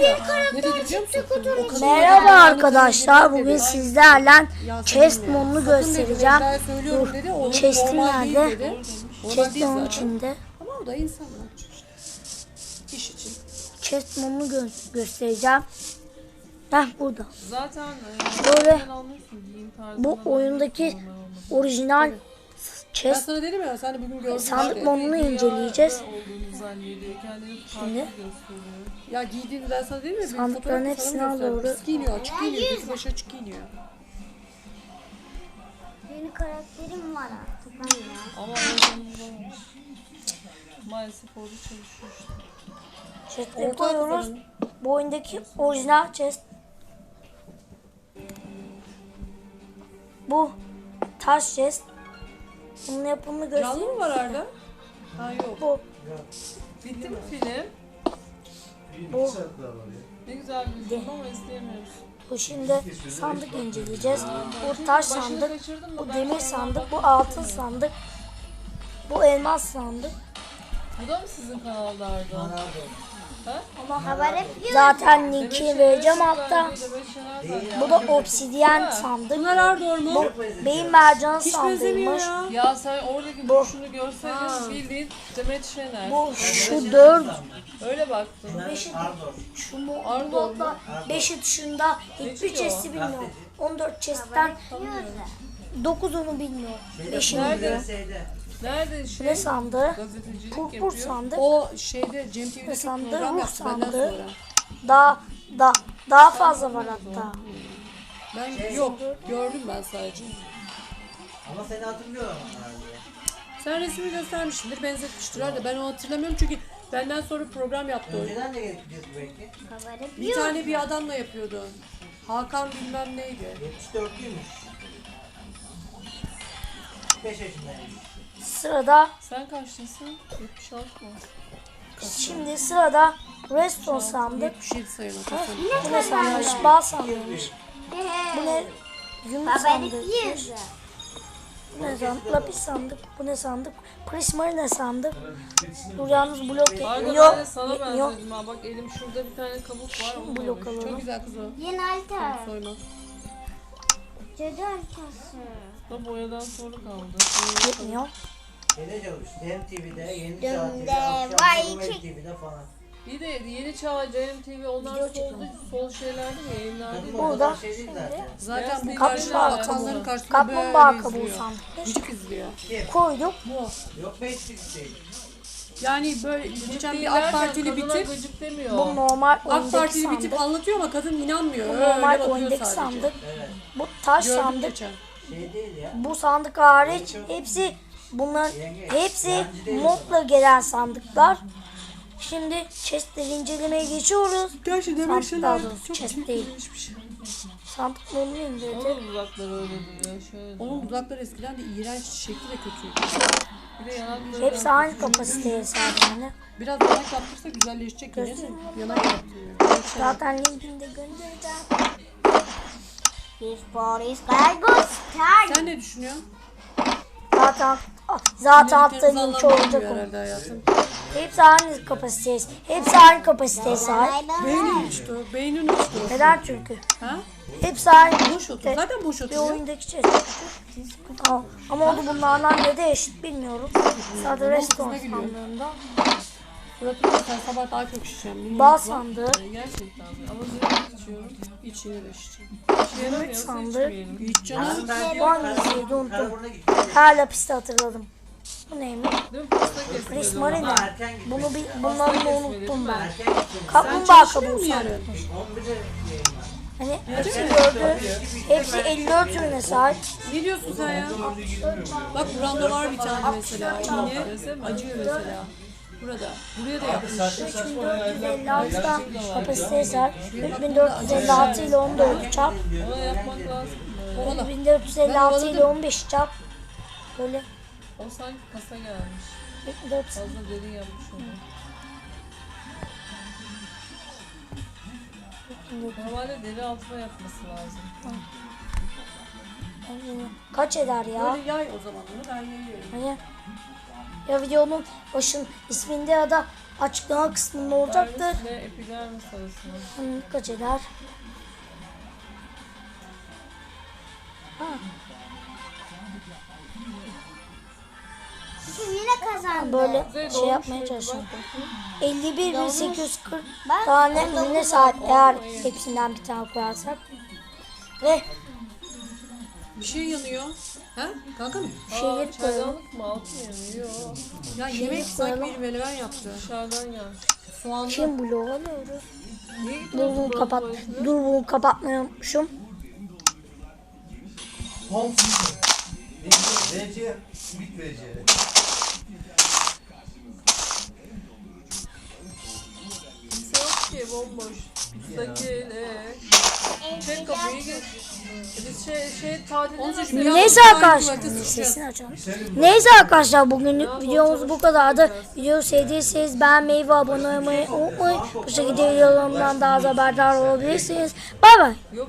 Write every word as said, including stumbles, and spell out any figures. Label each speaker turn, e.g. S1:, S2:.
S1: ya.
S2: Ne dedi biliyor musun? O kadın
S3: Merhaba
S2: dedi,
S3: arkadaşlar.
S2: dedi,
S3: Bugün
S2: dedi.
S3: sizlerle
S2: Ya
S3: chest
S2: seninle.
S3: modunu
S2: Sakın dedi,
S3: göstereceğim.
S2: Beyza'ya söylüyorum
S3: Dur.
S2: dedi, o
S3: Chest'in
S2: normal değil
S3: nerede?
S2: dedi. Normal
S3: Chest
S2: değil
S3: onun
S2: zaten.
S3: içinde.
S2: Ama o da insan ne yapacak işte. İş için.
S3: Chest modunu gö- göstereceğim. Heh burada.
S1: Zaten
S3: Böyle
S1: e, almışsın, giyim tarzından
S3: bu oyundaki
S1: almışsın, normal olması.
S3: orijinal
S2: Ben
S3: chest
S2: sana dedim ya, sen de bugün gördün
S3: sandık
S2: işte.
S3: modunu inceleyeceğiz.
S1: Rüyada olduğunu zannediyor, kendini farklı
S3: Şimdi.
S1: gösteriyor.
S2: Ya giydiğini ben sana dedim ya. bir
S3: Sandıkların
S2: fotoğraf
S3: hepsini
S2: sana
S3: al
S2: gösterdim.
S3: doğru.
S2: Pis giyiniyor, açık giyiniyor, gözü başı açık giyiniyor.
S4: Yeni karakterim var artık anne.
S1: Ama oyuncu olmamış. Maalesef orada çalışıyor işte.
S3: chest'e
S2: Orta
S3: koyuyoruz.
S2: atıyorum.
S3: Bu oyundaki orijinal chest. Bu taş chest. Bunun yapımını
S2: Canlı
S3: göstereyim.
S2: mı var Arda? Ha yok.
S3: Bu
S1: Bitti mi film?
S3: bu
S1: Ne güzel bir film ama izleyemiyoruz.
S3: Bu şimdi sandık inceleyeceğiz. Bu taş
S1: Başını
S3: sandık,
S1: kaçırdın mı?
S3: bu
S1: Ben
S3: demir
S1: sonra
S3: sandık, bu
S1: bak-
S3: altın sandık, bu elmas sandık.
S1: Bu da mı sizin kanalda Arda?
S4: Haber yapıyor.
S3: Zaten linki vereceğim altta.
S1: Demek şeyler zaten.
S3: Bu da obsidyen sandık.
S2: Bunlar Arda mu?
S3: Bu beyin mercan
S2: Hiç benzemiyor
S3: sandığıymış.
S2: ya.
S1: Ya sen oradaki duruşunu görseydin bildiğin Demet Şener.
S3: Bu şu dört,
S1: Öyle baktım.
S3: beşi, şu mu,
S1: Ardor
S3: bu modda beşi dışında hiçbir
S1: Neçi o?
S3: chest'i bilmiyorum. on dört chest'ten dokuzunu bilmiyorum. beşini
S1: Nerede?
S3: biliyorum.
S1: Nerede şey?
S3: Ne sandığı?
S1: Gazetecilik
S3: Purpur
S1: yapıyor.
S3: sandık.
S2: O şeyde Cem T V'de çok
S3: Sandığı,
S2: program
S3: ruh
S2: yaptı benden
S3: sandığı.
S2: sonra.
S3: Daha, daha, daha fazla var hatta.
S2: Ben yok gördüm ben sadece.
S5: Ama seni hatırlıyorum herhalde.
S2: Sen resmi göstermişsindir, benzetmiştir herhalde. Ben onu hatırlamıyorum çünkü benden sonra program yaptı o.
S5: Önceden de getireceğiz belki.
S4: Haber
S2: Bir
S4: yapıyor.
S2: tane bir adamla yapıyordu. Hakan bilmem neydi.
S5: yetmiş dörtlüymüş. kırk beş yaşındaymış.
S3: Sırada,
S1: Sen kaçtasın? yetmiş altı mı?
S3: şimdi sırada redstone sandık.
S2: yetmiş yedi sayılı.
S3: Bu ne sandıymış? Bal sandıymış. Bu ne? Yumruk
S4: Haber
S3: sandık.
S4: yapıyor.
S3: Bu ne sandık? Lapis sandık. Bu ne sandık? Prismarina sandık. Bu yalnız blok
S1: Arda
S3: yetmiyor.
S1: ben de sana
S3: Yetmiyor.
S1: benzedim ha. Bak elim şurada bir tane kabuk var. Onu
S3: Blok
S1: koymuş.
S2: Çok
S3: alalım.
S2: güzel kız o.
S4: Yeni harita.
S2: Soyma.
S4: Cadı haritası.
S1: Da boyadan sonra kaldı.
S3: Yetmiyor.
S5: Şeyde çalıştı. Hem T V'de, Yeni
S4: Dönde,
S5: Çağ
S4: vay
S5: T V'de,
S4: çek-
S5: T V'de falan.
S1: Bir de Yeni Çağ, C M T V onlar
S3: Video
S1: soldu,
S3: çekiyorum.
S1: sol şeylerdi mi? Yayınlardı
S5: Kadın
S1: mı?
S5: o
S3: Burada
S5: kadar şey değil zaten.
S2: Zaten bu
S1: Beyaz
S2: karşı
S1: kaplumbağa
S2: atanların
S1: kabuğu.
S2: karşısında
S3: Kaplumbağa
S2: böyle
S3: kabuğu
S2: izliyor.
S3: sandık.
S2: Gıcık izliyor.
S3: Koyduk.
S5: Yok be hiç şey.
S2: Yani böyle geçen bir AK
S1: Değiller de
S2: Partili
S1: kadına
S2: bitip
S1: gıcık demiyor.
S3: Bu normal
S2: AK
S3: oyundaki
S2: Partili bitip
S3: sandık.
S2: anlatıyor ama kadın inanmıyor.
S3: Bu
S2: Öyle
S3: normal
S2: bakıyor
S3: oyundaki
S2: sadece.
S3: sandık.
S5: Evet.
S3: Bu taş
S2: Gördüm
S3: sandık.
S2: geçen.
S5: Şey değil ya.
S3: Bu sandık hariç hepsi bunların hepsi modla gelen sandıklar. Şimdi chestleri incelemeye geçiyoruz.
S2: Gerçi demek
S3: Sandık
S2: şeyler
S3: daha doğrusu
S2: çok
S3: chest
S2: büyük
S3: değil.
S2: bir şey.
S3: Sandık modunu indirdik.
S1: Onun uzakları öyle duruyor. Şöyle.
S2: Onun dudakları eskiden de iğrenç, şekli de kötüydü.
S1: Bir de yanakları.
S3: Hepsi aynı kapasiteye sahip yani.
S2: Biraz yanak yaptırsa güzelleşecek yine. Yanak yaptırıyor.
S3: Zaten linkini de göndereceğim.
S4: This Boris Gargos Star.
S2: Sen ne düşünüyorsun?
S3: Zaten zaten altta
S2: Dediklerimizi
S3: linki
S2: anlam
S3: olacak
S2: vermiyor
S3: o.
S2: herhalde hayatım.
S3: Hepsi aynı kapasiteye. Hepsi aynı kapasiteye sahip.
S2: Beynin uçtu, beynin uçtu.
S3: Neden çünkü?
S2: Ha?
S3: Hepsi aynı.
S2: Boş otur. Zaten boş
S3: Bir
S2: oturuyor.
S3: oyundaki chest. Ama, ama o da bunlardan ne de eşit bilmiyorum. Sadece redstone sandığında.
S2: Suratını da sen sabah daha çok şişeceğim.
S3: Bal sandığı.
S1: Gerçekten. Ama zeytin içiyorum.
S2: İç yine de şişeceğim.
S1: İşe yaramıyorsa
S3: sandık.
S1: içmeyelim.
S2: İç canım.
S3: Bu hangisiydi unuttum.
S5: Karaburun'a gitti.
S3: Her lapiste hatırladım. Bu neymiş?
S1: Değil mi? Pasta kesmedi.
S3: Prismarina.
S5: Erken gitti.
S3: Bunu bir, bunları da unuttum ben.
S5: Erken gitti.
S3: Kaplumbağa
S2: Çalışmıyor
S3: kabuğu
S2: mu yarın?
S3: sandık.
S5: on birde yayınlar.
S3: Hani hepsi gördü. Hepsi elli dört ürüne sahip.
S2: Ne diyorsun sen ya? Bak buramda var bir tane mesela. Yine acıyor mesela. Burada. Buraya da yapmış.
S3: üç bin dört yüz elli altıda kapasiteye sahip. üç bin dört yüz elli altı ile on dört çarp.
S1: Ona yapmak lazım.
S2: Ovala.
S3: üç bin dört yüz elli altı ile on beş çarp. Böyle
S1: O sanki kasa gelmiş.
S3: üç bin dört yüz
S1: Fazla derin yapmış onu. Normalde deri altına yapması lazım.
S3: kaç eder ya?
S2: Böyle yay o zaman onu ben yayıyorum.
S3: Hani ya videonun başın isminde ya da açıklama kısmında olacaktır.
S1: Dervis ve epidermis arasında.
S3: Hmm, kaç eder? Ha,
S4: Kim yine kazandı?
S3: böyle
S1: Kuzey
S3: şey
S1: doğmuş
S3: yapmaya
S1: muydu?
S3: çalışıyorum.
S1: Bak bakayım.
S3: elli bir bin sekiz yüz kırk
S4: Bak,
S3: tane
S4: on dokuz
S3: ürüne sahip
S1: oldu.
S3: eğer
S1: Hayır.
S3: hepsinden bir tane koyarsak. Ve
S2: Bir şey yanıyor. Ha? Kanka mı?
S3: şeyleri
S1: Aa,
S3: koyalım.
S1: çaydanlık mı? Altı mı yanıyor? Yok.
S2: Ya yemek sanki bir menemen yaptı.
S1: Dışarıdan gelmiş.
S2: Soğanlı.
S3: Kim bloğu alıyoruz?
S1: Niye gidiyorsun
S3: Dur bunu
S1: buranın
S3: kapat.
S1: tuvaletine?
S3: Dur bunu kapatmayı unutmuşum.
S5: Verece, simit verece.
S1: Kimse yok ki, bomboş. Bizdeki ne? Çek kapıyı git. Biz şey, şey tatilde
S2: Onun
S1: nasıl
S2: için-
S3: Neyse
S2: Ya,
S3: arkadaşlar.
S2: tuvalete sıçacağız.
S3: Sesini açalım. Neyse arkadaşlar bugünlük videomuz bu kadardı. Videoyu sevdiyseniz beğenmeyi ve abone olmayı unutmayın. Bu şekilde videolarımdan daha az haberdar olabilirsiniz. Bay bay.